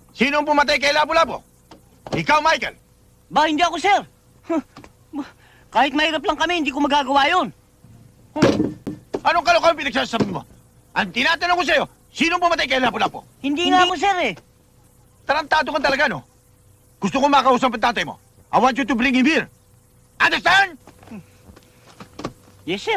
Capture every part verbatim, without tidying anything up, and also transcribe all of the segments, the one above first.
Sino ang pumatay kay Lapu-Lapu? Ikaw, Michael. Ba, hindi ako, sir. Huh. Kahit mahirap lang kami, hindi ko magagawa yun. Hmm. Anong kalokohan pinagsasabi mo? Ang tinatanong ko sa'yo, sino ang pumatay kay Lapu-Lapu? Hindi, nga ako, sir, eh. Tarantado ka talaga, no? Gusto ko makausap ang tatay mo. I want you to bring him here. Understand? Yes, sir.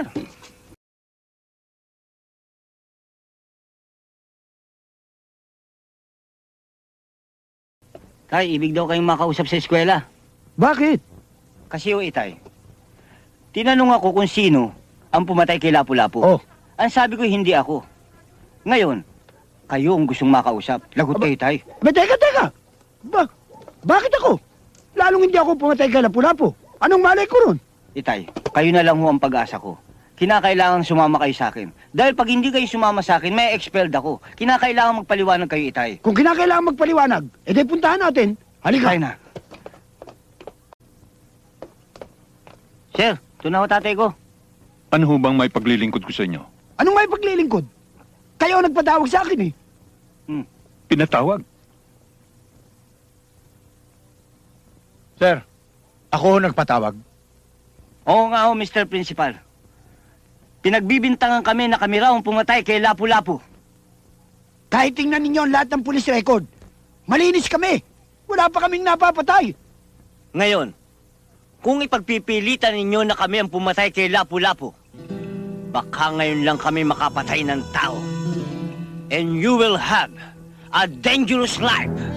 Tay, ibig daw kayong makausap sa eskwela. Bakit? Kasi o itay, tinanong ako kung sino ang pumatay kay Lapu-Lapu. Oh. Ang sabi ko, hindi ako. Ngayon, kayo ang gustong makausap. Lagot Aba- kayo, tay. Ba, teka, teka. Ba, bakit ako? Lalong hindi ako pumatay kay Lapu-Lapu. Anong malay ko ron? Itay, kayo na lang ho ang pag-asa ko. Kinakailangan sumama kayo sa akin. Dahil pag hindi kayo sumama sa akin, may expelled ako. Kinakailangan magpaliwanag kayo, itay. Kung kinakailangan magpaliwanag, edi puntahan natin. Halika. Tayo na. Sir, ito na ho tatay ko. Ano ho bang may paglilingkod ko sa inyo? Anong may paglilingkod? Kayo ang nagpatawag sa akin eh. Hmm. Pinatawag? Sir, ako nagpatawag. Oo nga ho, Mister Principal. Pinagbibintangan kami na kami raw ang pumatay kay Lapu-Lapu. Kahit tingnan ninyo ang lahat ng police record, malinis kami. Wala pa kaming napapatay. Ngayon, kung ipagpipilitan ninyo na kami ang pumatay kay Lapu-Lapu, baka ngayon lang kami makapatay ng tao. And you will have a dangerous life.